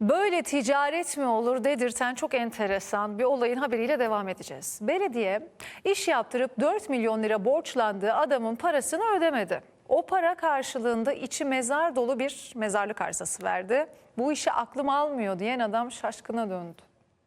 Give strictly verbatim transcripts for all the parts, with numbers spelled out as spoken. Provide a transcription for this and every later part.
Böyle ticaret mi olur dedirten çok enteresan bir olayın haberiyle devam edeceğiz. Belediye iş yaptırıp dört milyon lira borçlandığı adamın parasını ödemedi. O para karşılığında içi mezar dolu bir mezarlık arsası verdi. Bu işi aklım almıyor diyen adam şaşkına döndü.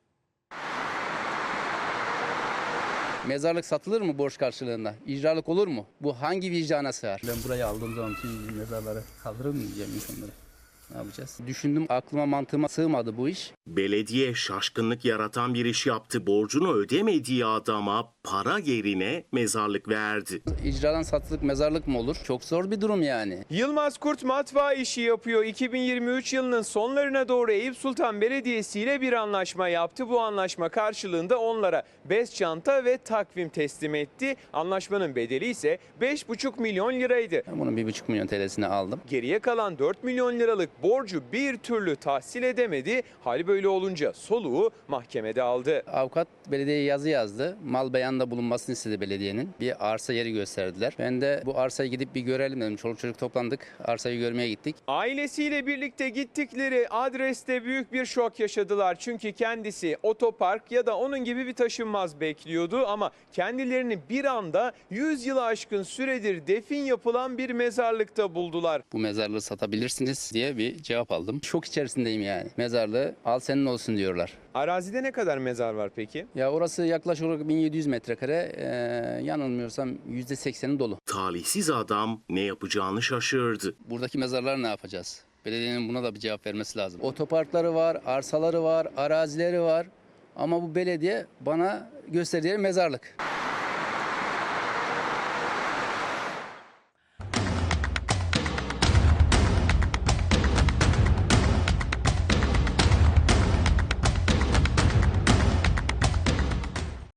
Mezarlık satılır mı borç karşılığında? İcralık olur mu? Bu hangi vicdana sığar? Ben burayı aldığım zaman tüm mezarları kaldırır mı diyeceğim insanlara? Ne yapacağız? Düşündüm, aklıma mantığıma sığmadı bu iş. Belediye şaşkınlık yaratan bir iş yaptı. Borcunu ödemediği adama para yerine mezarlık verdi. İcradan satılık mezarlık mı olur? Çok zor bir durum yani. Yılmaz Kurt matbaa işi yapıyor. iki bin yirmi üç yılının sonlarına doğru Eyüp Sultan Belediyesi ile bir anlaşma yaptı. Bu anlaşma karşılığında onlara bez çanta ve takvim teslim etti. Anlaşmanın bedeli ise beş buçuk milyon liraydı. Ben bunun bir buçuk milyon T L'sini aldım. Geriye kalan dört milyon liralık borcu bir türlü tahsil edemedi. Hal böyle olunca soluğu mahkemede aldı. Avukat belediyeye yazı yazdı. Mal beyanda bulunmasını istedi belediyenin. Bir arsa yeri gösterdiler. Ben de bu arsayı gidip bir görelim dedim. Çoluk çocuk toplandık. Arsayı görmeye gittik. Ailesiyle birlikte gittikleri adreste büyük bir şok yaşadılar. Çünkü kendisi otopark ya da onun gibi bir taşınmaz bekliyordu ama kendilerini bir anda yüz yılı aşkın süredir defin yapılan bir mezarlıkta buldular. Bu mezarlığı satabilirsiniz diye bir cevap aldım. Şok içerisindeyim yani. Mezarlığı al senin olsun diyorlar. Arazide ne kadar mezar var peki? Ya orası yaklaşık olarak bin yedi yüz metrekare. Ee, yanılmıyorsam yüzde sekseni dolu. Talihsiz adam ne yapacağını şaşırdı. Buradaki mezarları ne yapacağız? Belediyenin buna da bir cevap vermesi lazım. Otoparkları var, arsaları var, arazileri var. Ama bu belediye bana gösterdiği mezarlık.